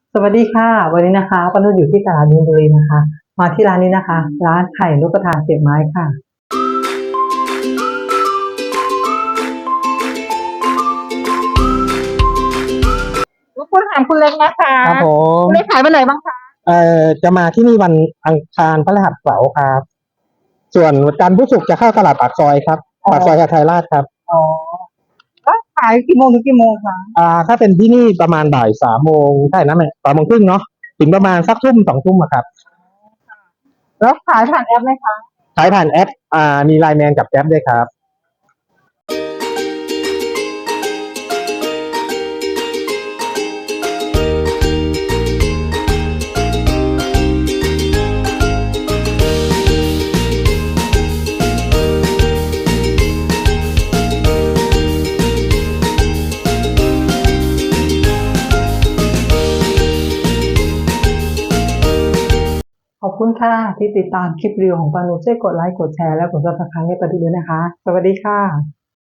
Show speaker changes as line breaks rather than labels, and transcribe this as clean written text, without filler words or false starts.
สวัสดีค่ะวันนี้นะคะป้านุชอยู่ที่ตลาดมีนบุรีนะคะมาที่ร้านนี้นะคะร้านไข่นกกระทาเสียบไม้ค่ะรบกวนถามคุณเล็กนะคะ
ครับผม
คุณเล็กขายวันไหนบ้างคะ
จะมาที่นี่วันอังคารพฤหัสเสาร์ครับส่วนวันจันทร์พุธศุกร์จะเข้าตลาดปากซอยครับปากซอยหาดไทยราชครับ
อ๋อแล้วขายกี่โมงถึงกี่โมงคะ
ถ้าเป็นที่นี่ประมาณบ่าย3 โมงใช่นะแม่3 โมงครึ่งเนาะถึงประมาณสักทุ่ม2 ทุ่มอะครับ
แล้วขายผ่านแอปไหมคะ
ขายผ่านแอปมีไลน์แมนกับแก๊ปด้วยครับ
ขอบคุณค่ะที่ติดตามคลิปรีวิวของป้านุชช่วยกดไลค์กดแชร์และกดซับสไครต์ให้ป้านุชด้วยนะคะสวัสดีค่ะ